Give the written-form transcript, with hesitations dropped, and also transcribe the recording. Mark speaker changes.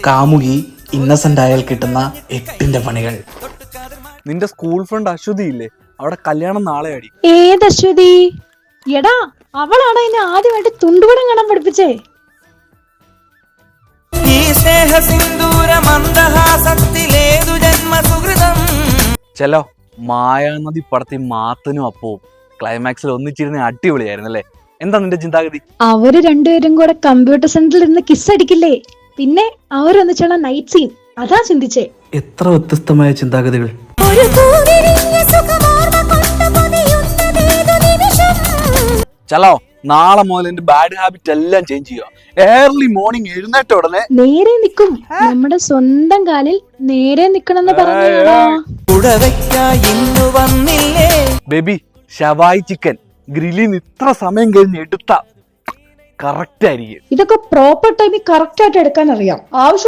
Speaker 1: കാമുകി ഇന്നസെന്റ് ആയാൽ കിട്ടുന്ന 8 പണികൾ.
Speaker 2: നിന്റെ സ്കൂൾ ഫ്രണ്ട് അശ്വതി ഇല്ലേ, അവിടെ കല്യാണം നാളെ അടി.
Speaker 3: ഏത് അശ്വതി? എടാ, അവളാണ് എന്നെ ആദ്യമായിട്ട് തുണ്ടുപടം കാണാൻ പഠിപ്പിച്ചേ.
Speaker 2: ചെലോ മായാനദി പടത്തിൽ മാത്തനും അപ്പവും ക്ലൈമാക്സിൽ ഒന്നിച്ചിരുന്ന അടിപൊളിയായിരുന്നു അല്ലേ? എന്താ നിന്റെ ചിന്താഗതി?
Speaker 3: അവര് രണ്ടുപേരും കൂടെ കമ്പ്യൂട്ടർ സെന്ററിൽ ഇരുന്ന് കിസ് അടിക്കില്ലേ, പിന്നെ അവരൊന്നിച്ചുള്ള നൈറ്റ് സീൻ, അതാ ചിന്തിച്ചേ.
Speaker 1: എത്ര വ്യത്യസ്തമായ ചിന്താഗതികൾ.
Speaker 2: ചലോ നാളെ മുതൽ എന്റെ ബാഡ് ഹാബിറ്റ് എല്ലാം ചേഞ്ച് ചെയ്യുക. ഏർലി മോർണിംഗ് എഴുന്നേറ്റ ഉടനെ
Speaker 3: നേരെ നിക്കും, നമ്മുടെ സ്വന്തം കാലിൽ നേരെ നിക്കണമെന്ന് പറഞ്ഞാ.
Speaker 2: ബേബി ഷവായി ചിക്കൻ ഗ്രില്ലിന്ന് ഇത്ര സമയം കഴിഞ്ഞ് എടുത്ത കറക്റ്റ് ആയിരിക്കും.
Speaker 3: ഇതൊക്കെ പ്രോപ്പർ ടൈമിൽ കറക്റ്റ് ആയിട്ട് എടുക്കാൻ അറിയാം. ആവശ്യം